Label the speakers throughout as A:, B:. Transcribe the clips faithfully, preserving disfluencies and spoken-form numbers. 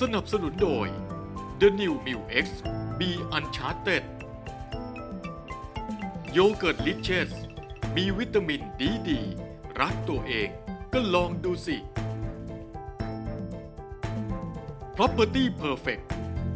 A: สนับสนุนโดย The New Mu X Be Uncharted โยเกิร์ตลิเชสมีวิตามินดีดีรักตัวเองก็ลองดูสิ Property Perfect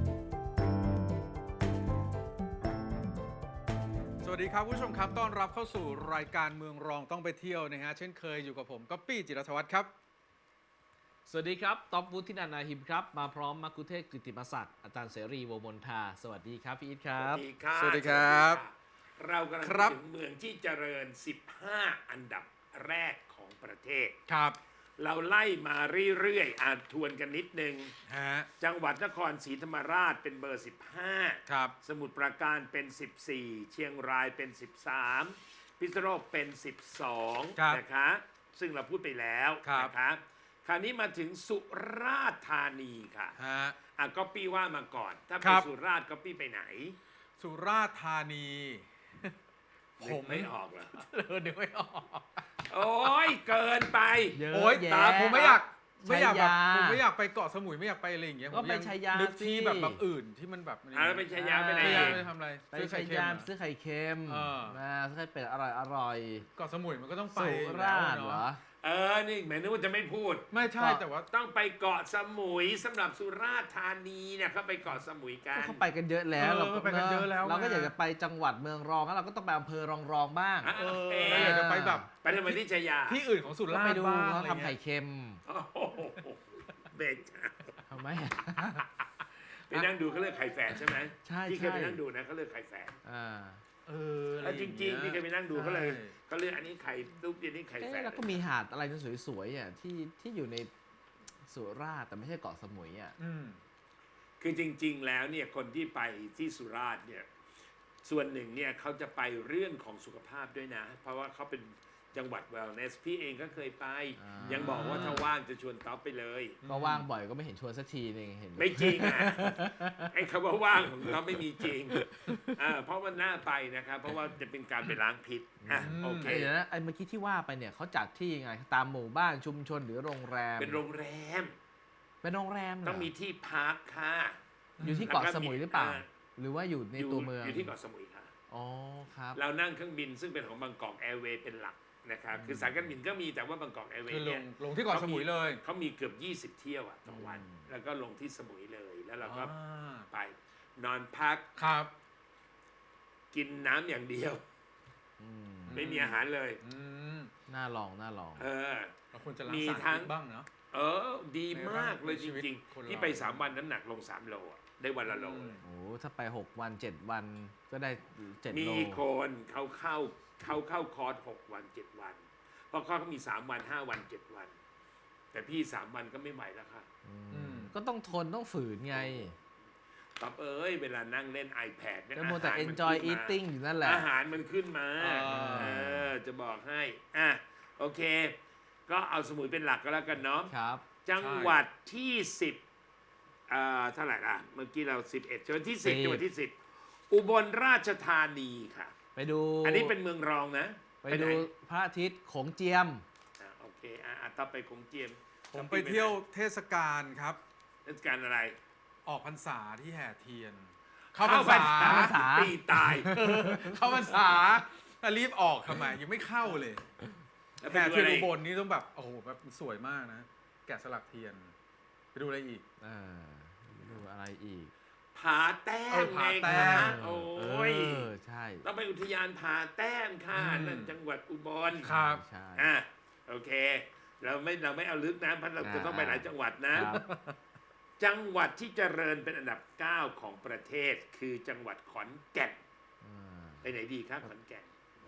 B: สวัสดีครับผู้ชมครับต้อนรับเข้าสู่รายการเมืองรองต้องไปเที่ยวนะฮะเช่นเคยอยู่กับผมก๊อปปี้จิรธวัฒน์ครับ
C: สวัสดีครับต๊อบวุฒินันท์นาหิมครับมาพร้อมมักคุเทศกฤติมศักดิ์อาจารย์เสรีวงศ์มนทาสวัสดีครับพี่อีทครั
D: ส
C: บ
D: วัสดีครับ
B: สวัสดีครับ
D: เรากำลัง
B: ครับ
D: ถึงเมืองที่เจริญ สิบห้า อันดับแรกของประเทศ
B: ครับ
D: เราไล่มาเรื่อยๆอ่านทวนกันนิดนึง
B: ฮะ
D: จังหวัดนครศรีธรรมราชเป็นเบอร์ สิบห้า
B: ครับ
D: สมุทรปราการเป็น สิบสี่ เชียงรายเป็น สิบสาม พิษณุโลกเป็น สิบสอง
B: ครับ
D: นะคะซึ่งเราพูดไปแล้ว
B: ครับ
D: นะคะคราวนี้มาถึงสุราษฎร์ธานีค่ะ
B: ฮะ
D: อ่ะก็ปี้ว่ามาก่อน ถ้า
B: ค
D: ไป
B: รับ
D: สุราษฎร์ก็ปี้ไปไหน
B: สุราษฎร์ธานี
D: นึกไม่ออกเหรอ
B: เออนึกไม่ออก
D: โอ้ยเกินไป
C: เยอะ
B: โอ๊ย
C: แยะ
B: ตาผมไม่อยากไม่อยากแบบ
C: ชัยยา
B: ผมไม่อยากไปเกาะสมุยไม่อยากไปอะไรอย่างเงี้ย
C: ก็
B: ผม
C: ไป
B: ยัง
C: ชัยยา
B: นึกที่
C: สิ
B: แบบแบบอื่นที่มันแบบ
D: อ่ะแล้วไปชัยยาไปไหน
B: ชัย
D: อี
B: ยาก ไปทำอะไร
C: ไป
B: ซื้อ
C: ชั
B: ไข่
C: ย
B: เค็
C: ยาม
B: ม
C: ซื้อไข่เค็ม
B: เออ
C: นะซื้อไข่เป็ดอร่อยอร่อย
B: เกาะสมุยมันก็ต้องไป
C: สุ
B: อยู่
C: รา
B: แล้ว
C: ษฎร์เหรอ
B: เนาะ
D: เออ นี่แหมนึกว่าจะไม่พูด
B: ไม่ใช่
C: เกาะ
B: แต่ว่า
D: ต้องไปเกาะสมุยสำหรับสุราษฎร์ธานีเนี่ยเขาไปเกาะสมุยกั
C: ก็
D: น
C: เขาไปกันเยอะแล้ว
B: เออ
C: เรา
B: ไปกันเยอะแล้ว
C: เราก็
B: ไง
C: อยากจะไปจังหวัดเมืองรองแล้วเราก็ต้องไปอำเภอรองรองๆบ้าง
D: อ่ะ
B: เออ
D: เอ๊ะ
B: เราอยากจะไปแบบ
D: ไปทำไมที่ชัยยา
B: ที่อื่นของสุ
C: ก็
B: รา
C: ไป
B: ษฎร์
C: ดู
B: บ้าง
C: เขา
B: อะไร
C: ทำไข่
B: เงี้ย
C: เค็ม
D: โอ้โหเบนจ้า
C: ทำไม
D: ไปนั่งดูเขาเลือกไข่แฝดใช่ไหม
C: ใช่
D: ที่เคย
C: ใช่
D: ไปนั่งดูนะเขาเลือกไข่แฝด
C: อ่า
B: เอออะ
D: แล้วจริงๆที่เคยไปนั่งดูเขาเลย
B: ใช่
D: เขาเลือกอันนี้ไข่ลูกเดียวนี้ไข่แฝ
C: เอ๊ะ
D: ด
C: แล้วก็มีหาดอะไรที่สวยๆอ่ะที่ที่อยู่ในสุราษฎร์แต่ไม่ใช่เกาะสมุยอ่ะ
B: อืม
D: คือจริง ๆ แล้วเนี่ยคนที่ไปที่สุราษฎร์เนี่ยส่วนหนึ่งเนี่ยเขาจะไปเรื่องของสุขภาพด้วยนะ เพราะว่าเขาเป็นจังหวัด wellness พี่เองก็เคยไป
C: อ่ายั
D: ยังบอกว่าถ้าว่างจะชวนต๊อปไปเลย
C: ก็ว่างบ่อยก็ไม่เห็นชวนสักทีนึงเห็น
D: ไม่จริงอ่ะ ไอ้คำว่าว่างของต๊อปไม่มีจริงอ่าเพราะมันน่าไปนะครับเพราะว่าจะเป็นการไปล้างพิษอ่ะโอเค
C: เอ้ยเดี๋ยวนะไอ้เมื่อกี้ที่ว่าไปเนี่ยเขาจัดที่ยังไงตามหมู่บ้านชุมชนหรือโรงแรม
D: เป็นโรงแรม
C: เป็นโรงแรมเหร
D: ต้องมีที่พักค่ะ
C: อยู่ที่เกาะสมุยหรือเปล่า หรือว่าอยู่ใน
D: อยู่
C: ตัวเมือง
D: อยู่ที่เกาะสมุยค่ะ
C: อ๋อครับ
D: เรานั่งเครื่องบินซึ่งเป็นของบางกอกแอร์เวย์เป็นหลักนะครับคือสายการบินก็มีแต่ว่าบางกอกแอร์เว
B: คือ
D: ย์
B: ล
D: เนี่
B: ง
D: ย
B: ลงที่เกาะสมุยเลย
D: เขามีเกือบ ยี่สิบ เที่ยวอะต่อวัน
C: อืม
D: แล้วก็ลงที่สมุยเลยแล้วเราก็
B: อ่า
D: ไปนอนพัก
B: ครับ
D: กินน้ำอย่างเดียว
C: อืม
D: ไม่มีอาหารเลย
B: อืม
C: น่าลองน่าลอง
D: เออ
B: เราควรจะล้าง
D: มี
B: สาร
D: ทั้ง
B: พิษบ้างเนาะ
D: เออ ดีมากเลย
B: ใน
D: จ
B: ชีวิต
D: ริง
B: คน
D: ๆ
B: เรา
D: ที่ไปสามวันน้ำหนักลงสามโลอะได้วันละโล
B: อืม
C: โอ้ถ้าไปหกวันเจ็ดวันก็ได้เจ็ด
D: มี
C: โล
D: คนเขาเข้าเขาเข้าคอร์สหกวันเจ็ดวัน เพราะเขามีสามวันห้าวันเจ็ดวัน แต่พี่สามวันก็ไม่ไหวแล้วค่ะ
C: อืม
B: อืม
C: ก็ต้องทนต้องฝืนไง
D: ตอบเอ้ยเวลานั่งเล่น iPad เนี่ย
C: ก็มัวแต่
D: อาหารมัน
C: enjoy
D: ขึ้นมา
C: eating อยู่นั่นแหละ
D: อาหารมันขึ้นมา
B: อ่า
D: เออจะบอกให้อ่ะโอเค ก็เอาสมุยเป็นหลักก็แล้วกันเนาะ
C: ครับ
D: จังหวัดที่สิบอ่าเท่าไหร่ล่ะเมื่อกี้เราสิบเอ็ดจังหวัดที่สิบ
C: สิบ
D: จังหวัดที่สิบอุบลราชธานีค่ะ
C: ไปดู
D: อันนี้เป็นเมืองรองนะ
C: ไป
D: หน
C: ดูพระอาทิตย์โขงเจียม
D: อ่ะโอเคอ่ะอ่ะต่อไปคงเจียม
B: ผมไปเที่ยวเทศกาลครับ
D: เทศกาลอะไร
B: ออกพรรษาที่แห่เทียน เข้าพรรษา
C: เข้าพรรษา
D: ตีตาย
B: เข้าพรรษาแต่รีบออกทำไมยังไม่เข้าเลย
D: แล้วไป
B: แห่
D: ดู
B: เทีย
D: อะ
B: น
D: ไร
B: อุบลนี่ต้องแบบโอ้โหแบบสวยมากนะ แกะสลักเทียน ไปดูอะไรอีก
C: อ่าดูอะไรอีก
D: ผาแต้
B: เอ
D: ม
B: อ
D: ไง
B: ผาแต้
D: คะ
B: ม
D: โอ้ย
C: เออใช่
D: ต้องไปอุทยานผาแต้มค่ะ
B: อืม
D: นั่นจังหวัดอุบล
B: ครับ
C: ใช่
D: อ่ะโอเค เราไม่เราไม่เอาลึกนะเพราะเราจะต้องไปหลายจังหวัดนะ
C: ครับ
D: จังหวัดที่เจริญเป็นอันดับเก้าของประเทศ คือจังหวัดขอนแก่น
C: อ่า
D: ไปไหนดีครับขอนแก่น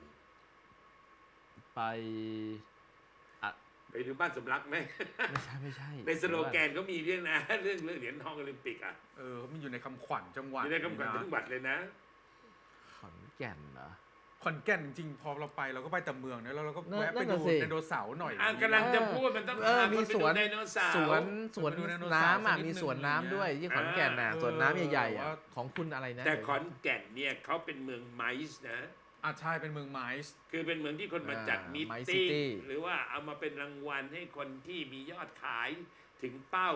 C: ไปอ่ะ
D: ไปดูบ้านสมรักไหม
C: ไม่ใช่ไม่ใช่
D: ในสโลแกนก็มีเรื่องนะ เรื่องเรื่องเหรียญทองโอลิมปิกอ่ะ
B: เออมันอยู่ในคำขวัญจังหวัด
D: อยู่ในคำขวัญ
B: นะ
D: จังหวัดเลยนะ
C: ขอนแก่นเหรอ
B: ขอนแก่นจริงๆพอเราไปเราก็ไปแต่เมืองนะแล้วเราก็
C: นั่น
B: แวะไป
C: นั่
B: ดู
C: นน่ะสิ
B: ไดโนเสาร์หน่อย
D: อ่ะกำลังจะพูดมันต้อง
C: เออ
D: พา
C: มี
D: คนไป
C: ส
D: ดู
C: วน
D: ไดโนเสาร์
C: สวนสวน
B: ไปดูไดโนเสาร์
C: น้ำอ่ะ
B: สักนิด
C: มีสวน
B: นึง
C: น้ำด้วย
B: อย่างเงี้ย
C: ที่ขอนแก่นน่ะ
B: เออ
C: สวนน้ำใหญ่ๆอ่ะ
B: ว่า
C: ของคุณอะไรนะ
D: แต่ขอนแก่นเนี่ยเขาเป็นเมืองไมซ์นะ
B: อ่ะใช่เป็นเมืองไมซ์
D: คือเป็นเมืองที่คนมาจัด
C: อ่า
D: มีต
C: My
D: ติ้ง
C: City
D: หรือว่าเอามาเป็นรางวัลให้คนที่มียอดขายถึงเป้า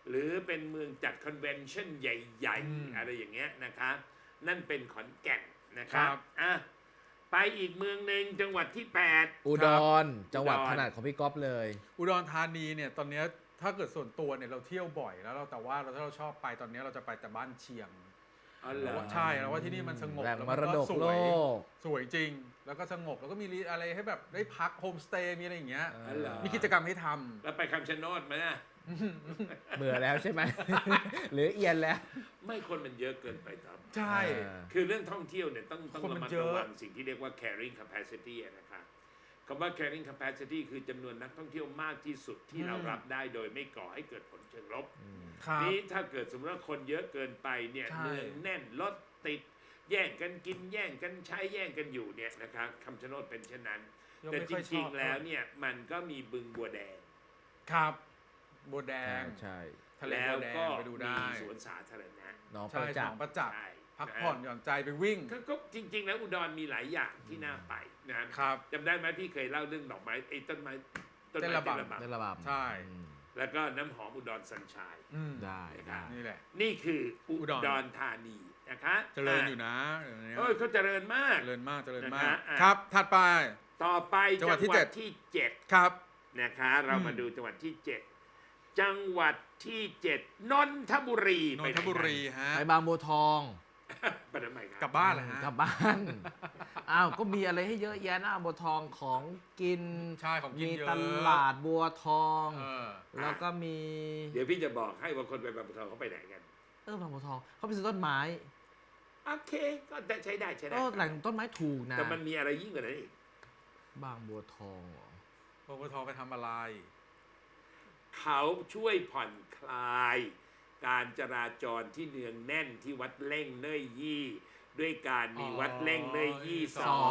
D: หรือเป็นเมืองจัดคอนเวนชั่นใหญ่
B: อืม
D: ๆ อะไรอย่างเงี้ยนะคะนั่นเป็นขอนแก่นนะค
B: ครั
D: รับบ อ่ะไปอีกเมืองหนึ่งจังหวัดที่แปด
C: อุดรจังหวัด
D: อุดร
C: ถนัดของพี่ก๊อฟเลย
B: อุดรธานีเนี่ยตอนเนี้ยถ้าเกิดส่วนตัวเนี่ยเราเที่ยวบ่อยแล้วเราแต่ว่าเราถ้าเราชอบไปตอนเนี้ยเราจะไปแต่บ้านเชียง
D: อ๋อเหรอ
B: ใช่แล้วว่าที่นี่มันสงบ
C: แหล่ง
B: แล้ว
C: ม
B: มัน
C: รด
B: ก็
C: ก
B: ส
C: โล
B: วย
C: ก
B: สวยจริง แล้วก็สงบแล้วก็มีอะไรให้แบบได้พักโฮมสเตย์มีอะไรอย่างเงี้ย
C: เอ
D: อ๋อเหรอ
B: มีกิจกรรมให้ทำ
D: แล้วไปคำชะโนดไหมอ่ะ
C: เบื่อแล้วใช่ไหม หรือเอียนแล้ว
D: ไม่คนมันเยอะเกินไปครับ
B: ใช่
C: อ่า
D: คือเรื่องท่องเที่ยวเนี่ยต้องต้อง
B: คนมั
D: ระ
B: น
D: มัด
B: เยอะ
D: ระวังสิ่งที่เรียกว่า carrying capacity อะนะครับคำว่า carrying capacity คือจำนวนนักท่องเที่ยวมากที่สุดที่เรารับได้โดยไม่ก่อให้เกิดผลเชิงลบ
B: ครับ
D: นี้ถ้าเกิดสมมติว่าคนเยอะเกินไปเนี่ย
B: ใช่
D: เนืองแน่นรถติดแย่งกันกินแย่งกันใช้แย่งกันอยู่เนี่ยนะครับคำชะโนดเป็นเช่นนั้น
B: ยัง
D: แต่
B: ไม่
D: จ
B: ค่อยช
D: ริ
B: อง บ
D: ๆแล้วเนี่ยมันก็มีบึงบัวแดง
B: ครับบัวแดง
C: ใช่
B: ทะเล
D: แล้
B: บั
D: ว
B: วแดง
D: ก็
B: ไปดู
D: มี
B: ได้
D: สวนสาธารณะ
C: น้องป
B: ใช่
C: ระ
B: ส
C: จัก
B: อง
C: ษ์
B: ประจักษ์
D: ใช่
B: พักผ่อนหย่อนใจไปวิ่ง
D: ก็ก็จริง ๆ แล้วอุดรมีหลายอย่างที่น่าไปนะครับ
B: ครับ
D: จำได้ไหมพี่เคยเล่าเรื่องดอกไม้ไอ้ต้นไม้ต้น
B: เต้
D: ไม้
B: นระบำ
D: เต้นระบ
C: ได้ระบำ
B: ใช่
C: อืม
D: ำแล้วก็น้ำหอมอุดรสัญชัย
B: อืม
C: ได้ได้
B: นี่แหละ
D: นี่คืออุ
B: อุดร
D: ดรธานีนะคะ
B: เจริญอยู่นะเดี๋ยวนี้
D: เอ้ยเขาเจริญมาก
B: เจริญมากเจริญ
D: นะ
B: มา
D: ฮะ
B: ก
D: อ่ะ
B: ครับ ถัดไป
D: ต่อไป
B: จังหวัดที่
D: จั
B: เจ็ด
D: ที่เจ็ด
B: ครับ
D: นะคะเรามา
B: อืม
D: ดูจังหวัดที่เจ็ดจังหวัดที่เจ็ดนนทบุรี
B: น
D: ไป
B: น
D: ไห
B: ทบุรีฮะ
C: ไปบางบัวทอง
D: ไปทำไมค
B: กลั
D: รั
B: บบ บ้านเหรอฮะ
C: กลับบ้าน อ้าว ก็มีอะไรให้เยอะแยะนะบัวทองของกิน
B: ใช่ของกิน
C: มี
B: เยอะ
C: ตลาดบัวทอง
B: เออ
C: แล้วก็มี
D: เดี๋ยวพี่จะบอกให้ว่าคนไปบางบัวทองเขาไปไหนกัน
C: เออบางบัวทองเขาไปซื้อต้นไม้
D: โอเคก็ได้ใช้ได้ใช้ได้
C: เออแหล่งต้นไม้ถูกนะ
D: แต่มันมีอะไรยิ่งกว่านั้นอีก
C: บางบัวทองเหรอ
B: ปปทไปทำอะไร
D: เขาช่วยผ่อนคลาย การจราจรที่เนืองแน่นที่วัดเล่งเน่ยยี่ ด้วยการมีวัดเล่งเน่ยยี่สอง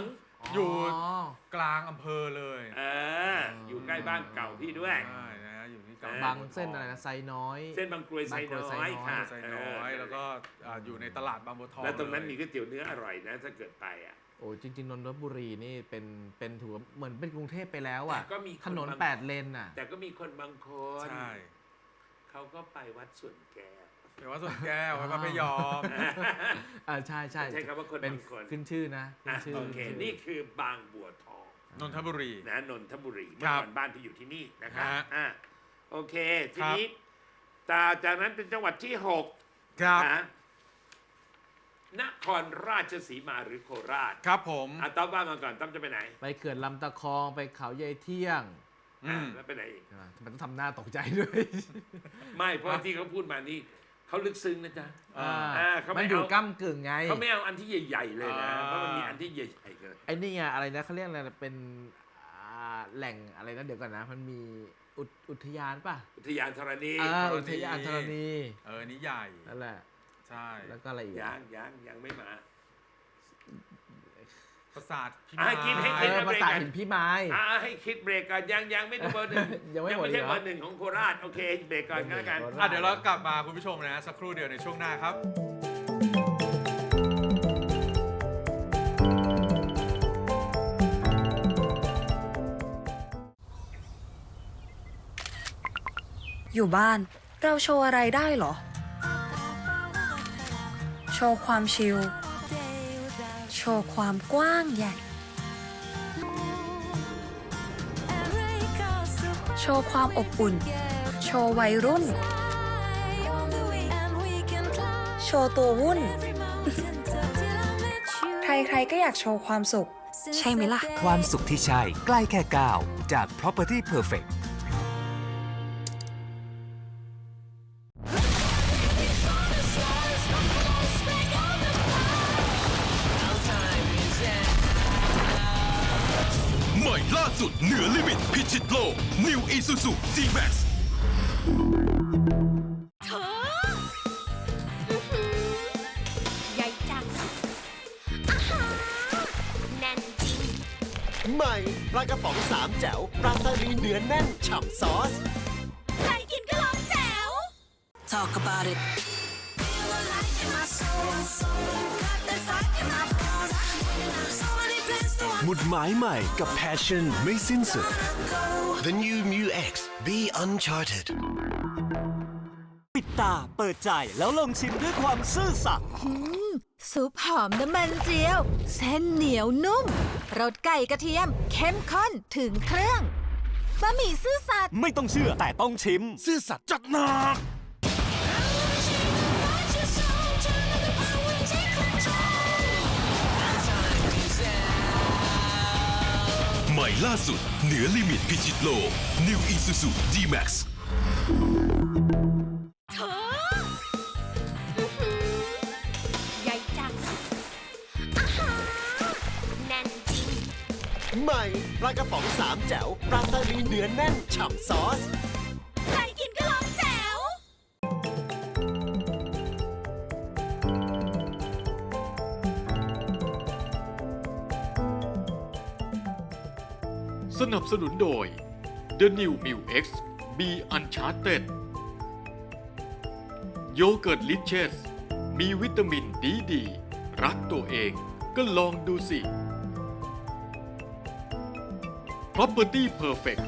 B: อยู่ กลางอำเภอเลย
D: เอออยู่ใกล้บ้านเก่าพี่ด้วย
B: ใช่นะฮะอยู่ที่กลาง
C: บางเส้นอะไรนะไซน้อย
D: เส้นบางกรวยไซน้อยค่ะ
B: ไซน้อย แล้วก็อ่าอยู่ในตลาดบางบัวทอง
D: แล้วตรงนั้น
B: เลย
D: มีก๋วยเตี๋ยวเนื้ออร่อยนะ ถ้าเกิดไปอ่ะ
C: โอ้จริง ๆ นนทบุรีนี่เป็นเป็นถือว่าเหมือนเป็นกรุงเทพไปแล้วอ่ะ
D: แต่ก็มีคน
C: ถนน
D: บาง
C: แปดเลนอ่ะ
D: แต่ก็มีคนบางคน
B: ใช่
D: เขาก็ไปวัดสวนแก้ว
B: เดี๋ยวว่าส่วนแก้วไว้พระพยอม
C: อ่าใช่ใช่
D: ใช้คำว่าคน
C: เป็น
D: บางคน
C: ขึ้นชื่อนะขึ้
D: อ่ะ
C: นชื่อ
D: โอเค
C: ขึ้ชื่อ
D: นี่คือบางบัวทอง
B: นนทบุรี
D: นะนนทบุรี
B: ค
D: เมื่
B: รั
D: อบ ก่อนบ้านที่อยู่ที่นี่นะครับ
B: ฮะ
D: อ่ะโอเค ที
B: ครับ
D: นี้ตาจากนั้นเป็นจังหวัดที่หก
B: ครับ
D: นะนครราชสีมาหรือโคราช
B: ครับผม
D: อ่ะต้อมว่ามาก่อนต้อมจะไปไหน
C: ไปเขื่อนลำตะคองไปเขาใยายเที่ยง
B: อืม
D: อ่ะแล้วไปไหนอีก
C: ใช่ไหมทำไมต้องทำหน้าตกใจด้วย
D: ไม่เพราะที่เขาพูดมานี่เขาลึกซึ้งนะจ๊ะ
C: อ่า
D: อ่าเขาไม่
C: มันอยู่
D: เอา
C: ก้ากึ่งไง
D: เขาไม่เอาอันที่ใหญ่ๆเลยนะ
B: อ่า
D: เพราะมันมีอันที่ใหญ่ๆเกิน
C: ไอ้นี่ไงอะไรนะเขาเรียกอะไรนะเป็นอ่าแหล่งอะไรนะเดี๋ยวก่อนนะ มันมีอุทอุทยานป่ะ
D: อุทยานธรณี
C: อ่า
B: ธรณี
C: อุทยานธรณี
B: เอออันนี้ใหญ่
C: นั่นแหละ
B: ใช่
C: แล้วก็อะไรอีก
D: ยั
C: อะ
D: งยังยังไม่มา
B: ปราสาทพิ
D: อ่ะ
B: มาย
D: กินให้
C: เอ
D: กิน
C: อภาษาหินพี่ไม้
D: อ่าให้คิดเบรกก่อนยังยังไม่ได้เบอร์หนึ่ง
C: ยังไม่หมด
D: ไม่ใช่
C: เหรอ
D: เบอร์หนึ่งของโคราชโอเคเบรกก่อนก็แล้วกัน
C: โคราช
B: อ่ะเดี๋ยวเรากลับมาคุณผู้ชมนะ สักครู่เดียวในช่วงหน้าครับ
E: อยู่บ้านเราโชว์อะไรได้เหรอ โชว์ความชิล โชว์ความกว้างใหญ่ โชว์ความอบอุ่น โชว์วัยรุ่น โชว์ตัววุ่น ใครๆก็อยากโชว์ความสุข ใช่ไหมล่ะ
F: ความสุขที่ใช่ใกล้แค่ก้าวจาก Property Perfect
G: ใหม่ล่าสุดเหนือลิมิตพิชิตโลก New Isuzu G-Max
H: เธออื้อหือใหญ่จังอาหารแน่นจริง
I: ใหม่ปลากระป๋องสามแจ๋วปลาสลิดเนื้อแน่นฉ่ำซอส
H: ใครกินก็ลองแจ๋ว
E: Talk about it
I: หมุดหมายใหม่กับ Passion ไม่สิ้นสุด The New Mu X Be Uncharted ตาเปิดใจแล้วลองชิมด้วยความซื่อสัตย์
H: ซุปหอมน้ำมันเจียว เส้นเหนียวนุ่มรสไก่กระเทียม เข้มข้นถึงเครื่องบะหมี่ซื่อสัตย์
I: ไม่ต้องเชื่อแต่ต้องชิม
G: ซื่อสัตย์จัดหนักใหม่ล่าสุดเหนือลิมิตพิชิตโลก New Isuzu D-Max
H: เธออื้อหือใหญ่จังอาหารแน่นจริง
I: ใหม่ปลากระป๋องสามแจ๋วปลาสลิดเนื้อแน่นฉ่ำซอส
H: ใครกินก็ลองแจ๋ว
A: สนับสนุนโดย The New m i l X B Uncharted โยเกิร์ตลิเชสมีวิตามินดีดี รักตัวเองก็ลองดูสิ Property Perfect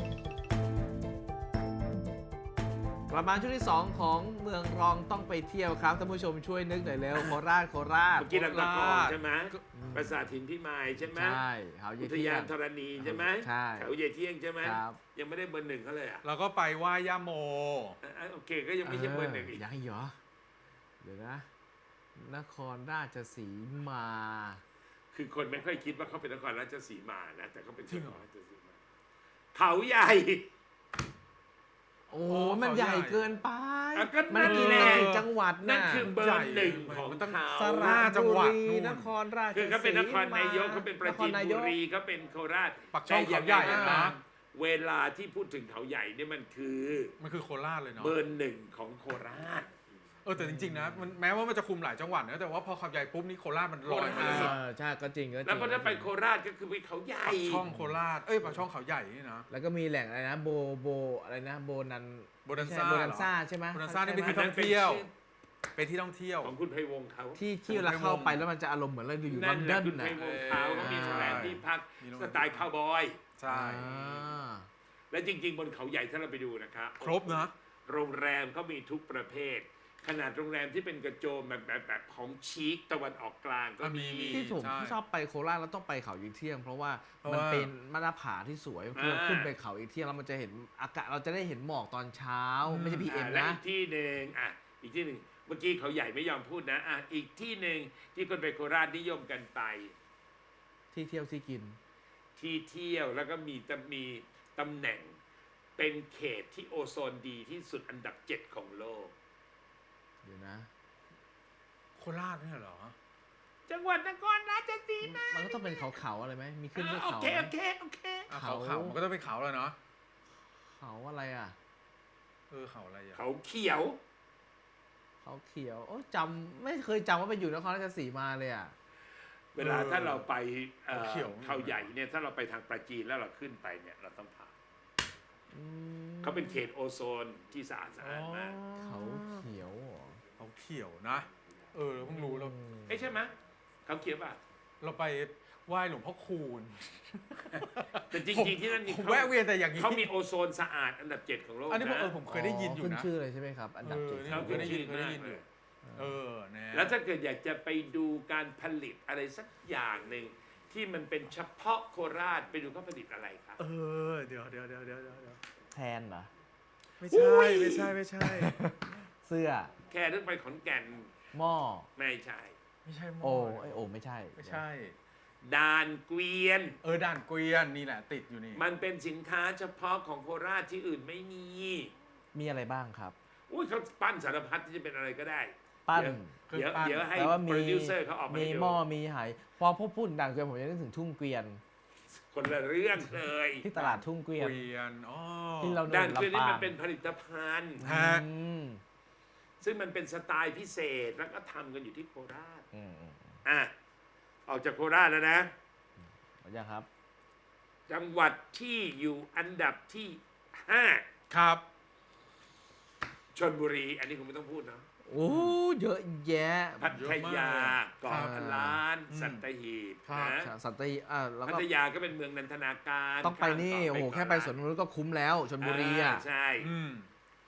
C: กลับมาช่วงที่สองของเมืองรองต้องไปเที่ยวครับท่านผู้ชมช่วยนึกหน่อยเร็วโคราชโคราช
D: เมื่อกี้เราตะกอนใช่ไหมปราสาทหินพิมายใช่ไหม
C: ใช่เขาเย
D: อุท
C: เที่
D: ยาย น
C: ง
D: ธรณีใช่ไหม
C: ใช่
D: แถวเยเที่ยงใช่ไหม
C: ครับ
D: ยังไม่ได้เบอร์หนึ่งเขาเลยอ่ะ
B: แล้วก็ไปไหว้ย่าโม
D: อ่ะโอเคก็ยังไม่ใช่เบอร์หนึ่งอีก
C: ยังอีกเหรอเดี๋ยวนะ นครราชสีมา
D: คือคนไม่ค่อยคิดว่าเขาเป็นนครราชสีมานะ แต่เขาเป็น
B: จริงเหรอ
D: นครราชสีมาเขาใหญ่
C: โอ้
B: อ๋อ
C: มัน
B: เขา
C: ให
B: ใหญ่
C: ญ่เกินไป
D: อ่ะก็
C: มันกิน
D: นั่นแหละ
C: กี่จังหวัด
D: นั่
C: น่ะ
D: นคือเบอร์หนึ่งของ
B: มันต้อง
D: เขา
C: ส
B: ห้
C: ระ
B: จังหวัด
C: บุ
B: นู่
C: รี
B: น
C: นครราช
D: คือเขาเป็นนคร
C: สีม
D: นายกเขาเป็นประจีน
C: ค
D: บุ
C: ยก
D: รีเขาเป็นโคราช
B: ปักช่อง
D: แต่
B: เขาใหญ่
D: ยังไงก็
B: นะ
D: ตามเวลาที่พูดถึงเขาใหญ่เนี่ยมันคือ
B: มันคือโคราชเลยเนาะ
D: เบอร์หนึ่งของโคราช
B: เออแต่จริงๆนะมันแม้ว่ามันจะคุมหลายจังหวัดนะแต่ว่าพอขับใหญ่ปุ๊บนี่โคราชมันลอยมา
C: เอ
B: เลย
C: อใช่ก็จริงก็จริง
D: แล้วพอถ้าไปโคราชก็คือไปเขาใหญ่
B: ปักช่องโคราชเอ้ยปักช่องเขาใหญ่นี่นะ
C: แล้วก็มีแหล่งอะไรนะโบโบอะไรนะโบนัน
B: โบนันซ่า
C: โบนันซ่าใช่ไหม
B: โบนันซ่านี่เป็นที่
C: ใช่
B: ท่
C: ไหม
B: องเที่ยวเป็นที่ท่องเที่ยว
D: ของคุณไพวงศ์เขา
C: ที่ที่เวลาเข้าไปแล้วมันจะอารมณ์เหมือนเราอยู่ล
D: นั่
C: อน น
D: แห
C: ด
D: ละ
C: อน
D: คุณไพ
C: น่ะ
D: วงศ์เขาเขามีสถานที่พัก
B: มีโรง
D: สไตล์คาวบอย
B: ใช่
C: อ่า
D: และจริง ๆ บนเขาใหญ่ถ้าเราไปดูนะครับ
B: ครบนะ
D: โรงแรมเขามีทุกประเภท ขนาดโรงแรมที่เป็นกระโจมแบบแบบแบบของชีคตะวันออกกลางก็มี
B: อ่ะมี
C: ที่ผม
B: ใช่
C: ชอบไปโคราชแล้วต้องไปเขาอีเที่ยง เพราะว่า
B: เพราะ
C: มัน
B: ว่า
C: เป็นมาตรผาที่สวยพอ
D: อ่า
C: ขึ้นไปเขาอีเที่ยงแล้วมันจะเห็นอากาศเราจะได้เห็นหมอกตอนเช้าไม่ใช่พีเอ็ม
D: อ่าและ
C: นะ
D: อีกที่หนึ่งอ่ะอีกที่หนึ่งเมื่อกี้เขาใหญ่ไม่ยอมพูดนะอ่ะอีกที่หนึ่งที่คนไปโคราชนิยมกันไป
C: ที่เที่ยวที่กิน
D: ที่เที่ยวแล้วก็มีจะมีตำแหน่งเป็นเขตที่โอโซนดีที่สุดอันดับเจ็ดของโลก
C: เดี๋ยวนะ
B: โคราชเนี่ยเหรอ
D: จังหวัดนครราชสีมา
C: มันก็ต้องเป็นเขาเขาๆอะไรไหมมีขึ้นด้วย
D: โอ
C: เขา
D: เค
C: ไหม
D: โอเคโอเค
B: อ่ะ
C: เขา
B: เขาเขามันก็ต้องเป็นเขาแล้วเนาะ
C: เขาอะไรอ่ะ
B: เออเขาอะไรอ่ะ
D: เขาเขียว
C: เขาเขียวโอ้จำไม่เคยจำว่าไปอยู่นครราชสีมาเลยอ่ะ
D: เวลาถ้าเราไปเอ่อ
B: เขาเขียว
D: เขาใหญ่เนี่ยถ้าเราไปทางปราจีนแล้วเราขึ้นไปเนี่ยเราต้องผ่าน
C: อืม
D: เขาเป็นเขตโอโซนที่สะอาดสะอาดมาก
C: เขาเขียวเหรอ
B: เขาเขียวนะ เออเราเพิ่งรู้เรา
D: เอ้ยใช่ไหมเขาเขียวป่ะ
B: เราไปไหว้หลวงพ่อคูณ
D: แต่จ
B: ผม
D: ริงๆที่นั่นนี่
B: ผม
D: เขา
B: แวะเวียนแต่อย่างนี้
D: เขามีโอโซนสะอาดอันดับเจ็ดของโลก
B: อันนี้ผม
D: นะ
B: เออผมเคยได้ยินอยู่
C: ขึ้น
B: นะ
C: ชื่อเลยใช่ไหมครับ อันดับ
B: เอ
C: เจ็
B: อ
C: ด
B: นี่ผมเคยได้ยินเคยได้ยินอยู่ เออนะ
D: แล้วถ้าเกิดอยากจะไปดูการผลิตอะไรสักอย่างหนึ่งที่มันเป็นเฉพาะโคราชไปดูเขาผลิตอะไรครับ
B: เออเดี๋ยวเดี๋ยวเดี๋ยวเดี๋ยวเดี๋ยว
C: แทนเหรอ
B: ไม่ใช่ไม่ใช่ไม่ใช่
C: เสื้อ
D: แค่เรื่องไปขอนแก่น
C: หม้อ
D: ไม่ใช่
B: ไม่ใช่หม้
C: โอ้ไอยโอ้ไม่ใช่
B: ไม่ใช่
D: ดานเกวียน
B: เออด่านเกวียนนี่แหละติดอยู่นี่
D: มันเป็นสินค้าเฉพาะของโคราชที่อื่นไม่มี
C: มีอะไรบ้างครับ
D: อุ้ยเขาปั้นสารพัดที่จะเป็นอะไรก็ได้
C: ปั้น
D: เดี๋ยวเดี๋ยวให้
C: แต่ว่า
D: โป
C: มี
D: รดิวเซอร์เขาออกมา
C: มี
D: ให้ดู
C: หม้อมีไหพอพูดพูดดังเกวียนผมจะนึกถึงทุ่งเกวียน
D: คนละเรื่องเลย
C: ที่ตลาดทุ่งเกวียน
B: เกวียนอ๋อ
C: ที่เราเดิ
D: ด้าน
C: น
D: เกวียนนี่
C: ลำปา
D: มั
C: ง
D: นเป็นผลิตภัณฑ์
B: ฮะ
C: อืม
D: ซึ่งมันเป็นสไตล์พิเศษแล้วก็ทำกันอยู่ที่โคราช
C: อืมอืม
D: อ่ะออกจากโคราชแล้วนะ
C: เอาอย่างครับ
D: จังหวัดที่อยู่อันดับที่ห้า
B: ครับ
D: ชลบุรี อันนี้คุณไม่ต้องพูดเนอะ
C: โอ้เยอะแยะ
D: พัทยา
B: ครั
D: เกาะ
B: บ
D: ล้าน
B: อืม
D: สัตหีบ
B: ครับ
D: นะ
C: สัตหีบอ่าแล้ว
D: พั
C: ก็
D: ทยาก็เป็นเมืองนันทนาการ
C: ต้องไปนี่
D: ข้ามเกาะ
C: โอ้โห
D: เกาะ
C: แค่ไป
D: ล้าน
C: สวนนกนุษย์ก็คุ้มแล้วชลบุรีอ่ะ
D: าใช่
B: อืม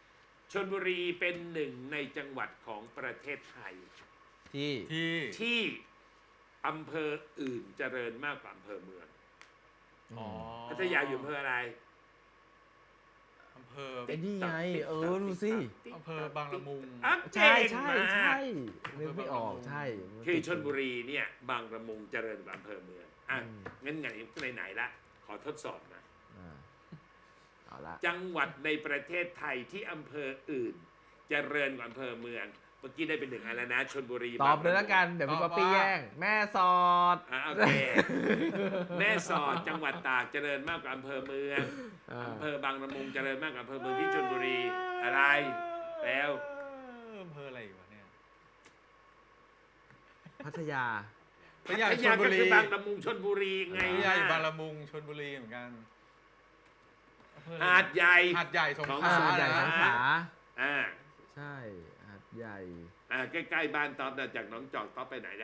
D: ชลบุรีเป็นหนึ่งในจังหวัดของประเทศไทย
C: ที่
B: ที่
D: ที่อำเภออื่นเจริญมากกว่าอำเภอเมือง
B: อ๋อ
D: พัทยาอยู่อำเภออะไร
B: อำเภอ
C: ไอ้นี่ไงเออดูสิ
B: อำเภอบางละมุง
D: อ่ะ
C: ใช่
D: เก่ง
C: ใช่
D: มาก
C: ใช่นึกไม่ออกใช่
D: คือชลบุรีเนี่ยบางละมุงเจริญกว่าอำเภอเมืองอ่ะ
C: อืม
D: งั้นไหนไหนๆละขอทดสอบหนะ
C: อ่าเอาละ
D: จังหวัดในประเทศไทยที่อำเภออื่น เจริญกว่าอำเภอเมือง เมื่อกี้ได้เป็นหนึ่งอันแล้วนะชลบุรี
C: ตอบเลยละกันเดี๋ยวพี่ป๊อปปี้แย่งแม่สอด
D: อ่ะโอเค แม่สอดจังหวัดตากเจริญมากกว่าอำเภอเมือง
C: อ่า
D: อำเภอบางละมุงเจริญมากกว่าอำเภอเมืองที่ชลบุรีอะไรแล้ว
B: อำเภออะไรอยู่วะเนี่ย
C: พัทยา
B: พัทยา
D: พัทยาก็คือบางละมุงชลบุรีไง
B: พัทยาอยู่บางละมุงชลบุรีเหมือนกันอำเภออะไร
D: หาดใหญ่
B: หาดใหญ่สงข
D: ของ
B: ลา
C: หาดใหญ่สงขลา
D: อ่า
C: ใช่หาดใหญ่
D: อ่าใกล้ๆบ้านต๊อบนะจากหนองจอกต๊อบไปไหนได้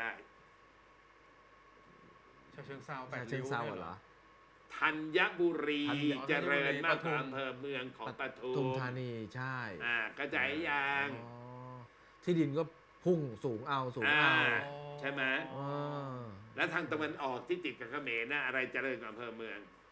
B: ฉะเชิงเซาแปด
C: ชาเชิ
B: ริ้
C: ง
B: ว
C: เซา
B: นี่ย
C: เหรอ
D: ธัญบุรี
B: ธัญบุรี
D: เจริญมากกว่า
B: ปทุม
D: อำเภอเมืองของปทุ
C: ทุม
D: ม
C: ธานีใช่
D: อ่ากระจายยาง
C: อ๋อที่ดินก็พุ่งสูงเอาสูง
D: อ่า
C: เอา
D: ใช่ไหม
C: อ๋อ
D: แล้วทางตะวันออกที่ติดกับเขมรนะอะไรเจริญกว่าอำเภอเมือง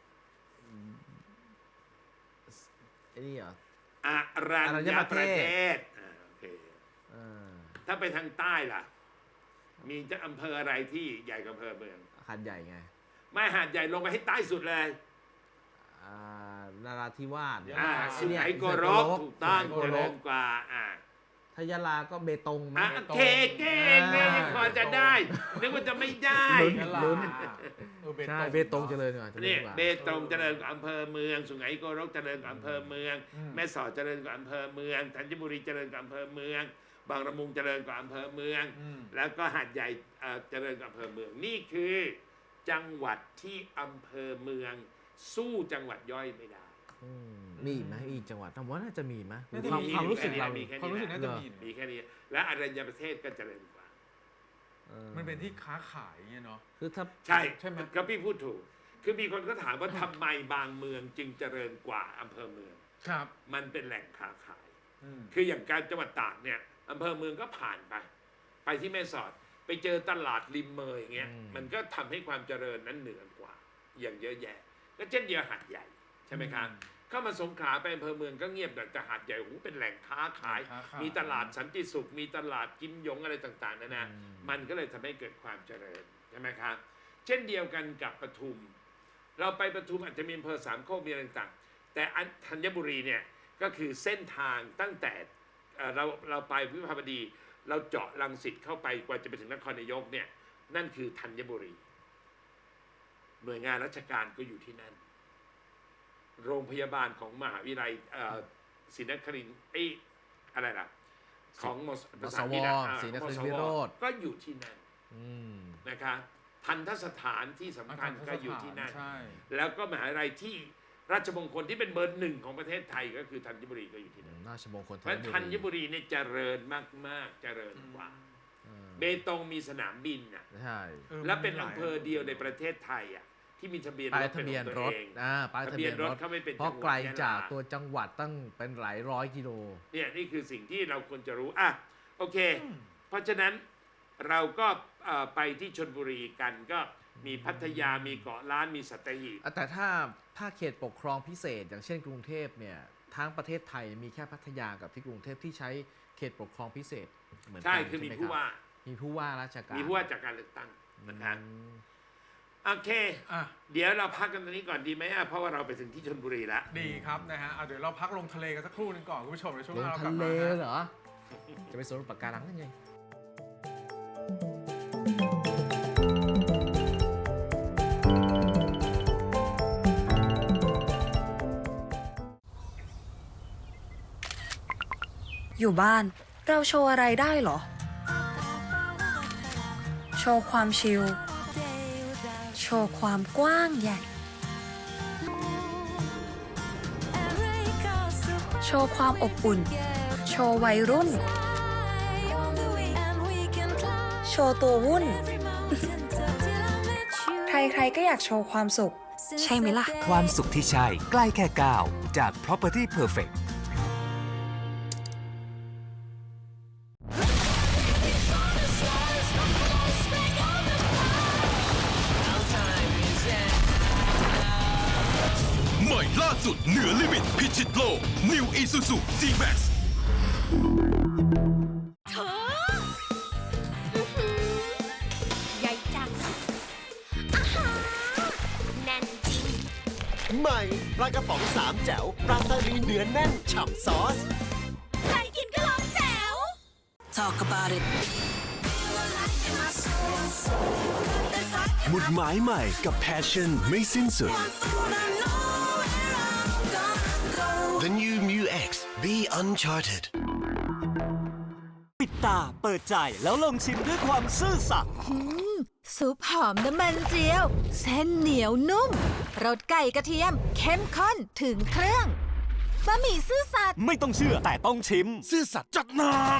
C: ไอ้นี่เหรอ
D: อารัญ
C: อรัญ
D: ญ
C: ญ
D: ป
C: ประ ระ
D: เท
C: เท
D: ศอ่าโอเค
C: อ่า
D: ถ้าไปทางใต้ล่ะ มีจะอำเภออะไรที่ใหญ่กว่าอำเภอเมือง
C: หาดใหญ่ไง
D: ไม่หาดใหญ่ลงไปให้ใต้สุดเลย
C: อ่านาราธิวาส
D: อ่า
C: ไอ้
D: สุ
C: เนี่ย
D: ไหงโกรกถูกต้อง
C: สุไหงโก
D: เจ
C: ร
D: ริ
C: ก
D: ญกว่าอ่า
C: ทยาลาก็เบตงไหม
D: อ่ะเก่งเก่งเก่งพอจะได้นึกว่าจะไม่ได้
C: ลุ้น
B: ยะลา
C: ลุ้น
B: เออเบต
C: ใช่
B: ง
C: เบตงเจริญกว่าเจริ
D: เนี่
C: ญ
D: ย
C: กว่า
D: เบตงเจริญกว่าอำเภอเมือง สุไหงโกรกเจริญกว่าอำเภอเมือง
B: อืม
D: แม่สอดเจริญกว่าอำเภอเมืองธัญบุรีเจริญกว่าอำเภอเมือง บางละมุงเจริญกว่าอำเภอเมือง
B: อืม
D: แล้วก็หาดใหญ่เอ่อเจริญกว่าอำเภอเมือง นี่คือจังหวัดที่อำเภอเมือง สู้จังหวัดย่อยไม่ได้
C: อืมมีอีกไหมมีอีกจังหวัดผมว่าน่าจะมีไหม
B: น่าจะ
C: ความ
B: มี
C: ความรู้สึกเรา
D: มีแค่
B: ความรู้สึกน่าจะมี
D: มีแค่นี้ และอรัญญประเทศก็เจริญกว่า
C: ออ
B: มันเป็นที่ค้าขายอย่างเงี้ยเนาะ
C: คือถ้า
D: ใช่
B: ใช่ไหม
D: ก็พี่พูดถูก คือมีคนก็ถามว่าทำไมบางเมืองจึงเจริญกว่าอำเภอเมือง
B: ครับ
D: มันเป็นแหล่งค้าขาย
B: อืม
D: คืออย่างการจังหวัดตากเนี่ยอำเภอเมืองก็ผ่านไป ไปที่แม่สอดไปเจอตลาดริมเมยอย่างเงี้ย
C: อืม
D: มันก็ทำให้ความเจริญนั้นเหนือกว่า อย่างเยอะแยะ ก็เช่นเดียวหาดใหญ่ใช่ไหมครับเข้ามาสงขลาไปอำเภอเมืองก็เงียบแต่หาดใหญ่โอ้โหเป็นแหล่งค้าขาย
B: ค้าขาย
D: มีตลาดสันติสุข มีตลาดกิมหยงอะไรต่างๆนานามันก็เลยทำให้เกิดความเจริญใช่ไหมครับ เช่นเดียวกันกับปทุม เราไปปทุมอาจจะมีอำเภอสามโคกมีอะไรต่างๆแต่อันธัญบุรีเนี่ยก็คือเส้นทางตั้งแต่เอ่อเราเราไปวิภาวดี เราเจาะรังสิตเข้าไปกว่าจะไปถึงนครนายกเนี่ยนั่นคือธัญบุรี หน่วยงานราชการก็อยู่ที่นั่น โรงพยาบาลของมหาวิทยาลัยเอ่อศรีนครินทร์เอ้ยอะไรล่ะของมส
C: ม
D: ภา
C: ส
D: ษาอัง
C: ว
D: กฤษอะอ่า
C: ศรีนครินท
D: มส
C: ร์
D: ว
C: วิโรธ
D: ก็อยู่ที่นั่น
C: อืม
D: นะคะทันทสถานที่สำคัญก็อยู่ที่นั่น
B: ใช่
D: แล้วก็มหาวิทยาลัยที่ราชมงคลที่เป็นเบอร์หนึ่งของประเทศไทยก็คือธัญบุรีก็อยู่ที่นั่น
C: ราชมงคล
D: เพราะธัญบุรีเนี่ยเจริญมากๆเจริญกว่า
C: เออ
D: เบตงมีสนามบินน่ะ
C: ใช่
D: และเป็นอำเภอเดียวในประเทศไทยอ่ะที่มีทะเบียน
C: ป้าย
D: รถ
C: ทะ
D: เป็น
C: เบียน
D: ของ
C: ร
D: ตัว
C: ถ
D: เอง
C: อ่าป้ายทะเบียนรถ
D: เขาไม่เป็น
C: เพราะ
D: จังหวัด
C: ไกลจาก
D: ยะลา
C: ตัวจังหวัดตั้งเป็นหลายร้อยกิโล
D: เนี่ยนี่คือสิ่งที่เราควรจะรู้อ่ะโอเค เพราะฉะนั้นเราก็เอ่อไปที่ชลบุรีกันก็มีพัทยามีเกาะล้านมีสัตหีบ
C: อ่ะแต่ถ้าถ้าเขตปกครองพิเศษ อย่างเช่นกรุงเทพเนี่ยทั้งประเทศไทยมีแค่พัทยากับที่กรุงเทพที่ใช้เขตปกครองพิเศษเหมือนกัน
D: ใช่คือมี
C: ใช่ไห
D: ผู้
C: รับ
D: ว่า
C: มีผู้ว่าราชการ
D: มีผู้ว่าจากการเลือกตั้งนะครับ
C: อืม
D: โอเค
B: อ่ะ
D: เดี๋ยวเราพักกันตรงนี้ก่อนดีไหมอ่ะเพราะว่าเราไปถึงที่ชลบุรีแล้ว
B: ดีครับนะฮะเอาเดี๋ยวเราพักลงทะเลกันสักครู่หนึงก่อนคุณผู้ชมในช่วงห
C: ลง
B: น้าเราก
C: ทะ
B: ลับ
C: เล
B: มาฮะ
C: เหรอ จะไปสวนปะการังนั่นไง
E: อยู่บ้านเราโชว์อะไรได้เหรอ โชว์ความชิล โชว์ความกว้างใหญ่ โชว์ความอบอุ่น โชว์วัยรุ่น โชว์ตัววุ่น ใครๆก็อยากโชว์ความสุข ใช่ไหมล่ะ
F: ความสุขที่ใช่ใกล้แค่ก้าวจาก Property Perfect
G: ชิตโลก New Isuzu D-Max
H: เธออื้อหือใหญ่จังอาหารแน่นจริง
I: ใหม่ปลากระป๋องสามแจ๋วปลาสลิดเนื้อแน่นฉ่ำซอส
H: ใครกินก็ลองแจ๋ว
E: Talk about it
I: หมุดหมายใหม่กับ Passion ไม่สิ้นสุด The New Mu X Be Uncharted
J: ปิดตาเปิดใจแล้วลองชิมด้วยความซื่อสัตย์
H: อืมซุปหอมน้ำมันเจียว เส้นเหนียวนุ่มรสไก่กระเทียม เข้มข้นถึงเครื่องบะหมี่ซื่อสัตย์
J: ไม่ต้องเชื่อแต่ต้องชิม
G: ซื่อสัตย์จัดหนัก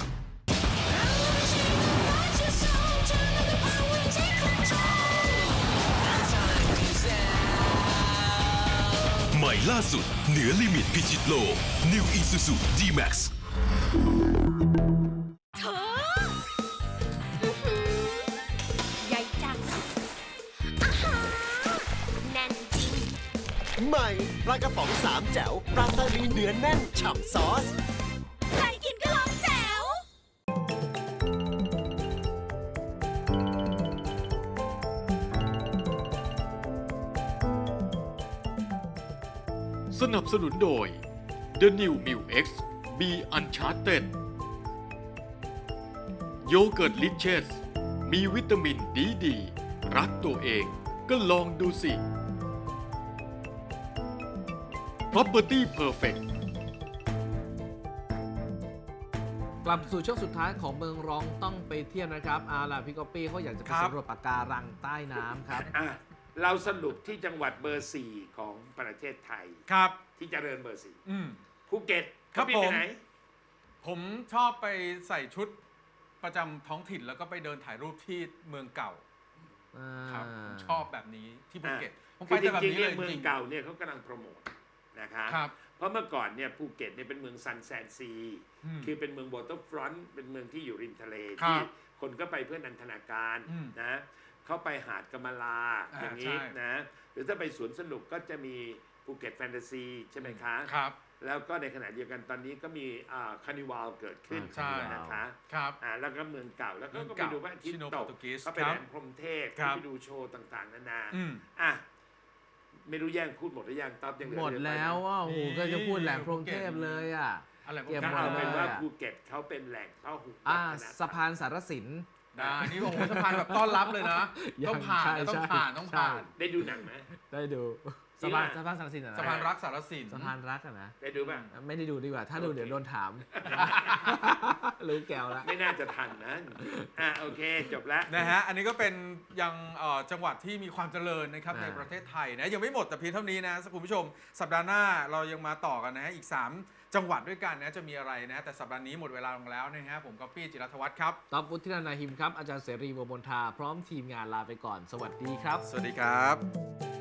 G: ใหม่ล่าสุดเหนือลิมิตพิชิตโลก New Isuzu D-Max
H: เธออื้อหือใหญ่จังอาหารแน่นจริง
I: ใหม่ปลากระป๋องสามแจ๋วปลาสลิดเนื้อแน่นฉ่ำซอส
H: ใครกินก็ลองแจ๋ว
A: สนับสนุนโดย The New Mu X Be Uncharted โยเกิร์ตลิเชสมีวิตามินดีดี รักตัวเองก็ลองดูสิ Property Perfect
C: กลับสู่ช่วงสุดท้ายของเมืองรองต้องไปเที่ยวนะครับเอาล่ะพี่ก๊อปปี้เขาอยากจะไป
B: ครับ
C: สำรวจปะการังใต้น้ำครับ
D: อ่ะเราสรุปที่จังหวัดเบอร์สี่ของประเทศไทย
B: ครับ
D: ที่เจริญเบอร์สี่
B: อืม
D: ภูเก็ต
B: ครับ
D: เขาบินไป
B: ผม
D: ไหน
B: ผมชอบไปใส่ชุดประจำท้องถิ่นแล้วก็ไปเดินถ่ายรูปที่เมืองเก่าครับผมชอบแบบนี้ที่ภูเก็ตผมไป
D: คือจ
B: แต่แบบ
D: ริงๆ
B: นี้เล
D: เนี่ย ยเมือ
B: จ
D: ง
B: ริง
D: เก่าเนี่ยเขากำลังโปรโมทนะคะ
B: ครับ
D: เพราะเมื่อก่อนเนี่ยภูเก็ตเนี่ยเป็นเมืองซันแซนซี
B: อืม
D: คือเป็นเมืองวอเตอร์ฟรอนต์เป็นเมืองที่อยู่ริมทะเล
B: ครับ
D: ที่คนก็ไปเพื่อนันทนาการ
B: อืม
D: นะเข้าไปหาดกำมะลา
B: อ่า
D: อย่างนี้
B: ใช่
D: นะหรือถ้าไปสวนสนุกก็จะมีภูเก็ตแฟนตาซีใช่ไหมคะ
B: ครับ
D: แล้วก็ในขณะเดียวกันตอนนี้ก็มีคานิวาลเกิดขึ้น
B: ใช่
D: นะคะ
B: ครับ
D: อ่าแล้วก็เมืองเก่าแล้วก็
B: เมือง
D: ก็ไป
B: เก่า
D: ดูพระอาทิตย์
B: ชิโน
D: ต
B: โปร
D: ก
B: ตุเกส
D: ก็ไป
B: ครั
D: แห
B: บ
D: ลมพรหมเทพ
B: ครับ
D: ไปดูโชว์ต่างๆนานา
B: อืม
D: อ่ะไม่รู้แย่งพูดหมดหรือยังตอบยังเหลือ
C: หมด
D: เยอะไป
C: แล้ว
D: นะ
C: ว่าโอ้โห
B: นี่
C: ก็จะพูดแหลมพรหมเทพเลยอ่ะ
B: อะไรพวก
C: เก็บ
D: ก็
C: หมด
D: เอาเป็นว่า
C: เลยอะ
D: ภูเก็ตเขาเป็นแหล่งพหุวั
C: อ่า
D: ฒนธรรม
C: สะพานสารสิน
B: ได้นี่โอ้โหสะพานแบบต้อนรับเลยนะ
C: ยัง
B: ต้องผ่าน
C: ใช่
B: นะต้อง
C: ใช่
B: ผ่านต้องผ่าน
C: ใช่
D: ได้ดูหนังไหม
C: ได้ดู
D: จริ
C: สะ
D: ง
C: พาน
D: อะ
C: สะพานสารสินอะนะ
B: สะพานรักสารสิน
C: สะพานรักอะนะ
D: ได้ดูป่ะ
C: ไม่ได้ดูดีกว่า ถ้าดูเดี๋ยวโดนถาม รู้แก้วแล้ว
D: ไม่น่าจะทันนะอ่ะโอเคจบแล้ว
B: นะฮะ อันนี้ก็เป็นยังเอ่อจังหวัดที่มีความเจริญนะครับ
C: อ่า
B: ในประเทศไทยนะยังไม่หมดแต่เพียงเท่านี้นะคุณผู้ชม สัปดาห์หน้าเรายังมาต่อกันนะฮะอีก สาม จังหวัดด้วยกันนะจะมีอะไรนะแต่สัปดาห์นี้หมดเวลาลงแล้วนะฮะผมก็ปี้จิรัตวัฒน์ครับ
C: ต๊อบวุฒินันท์นาหิมครับ อาจารย์เสรีวงศ์มนทา พร้อมทีมงานลาไปก่อน สวัสดีครับ
B: สวัสดีครับ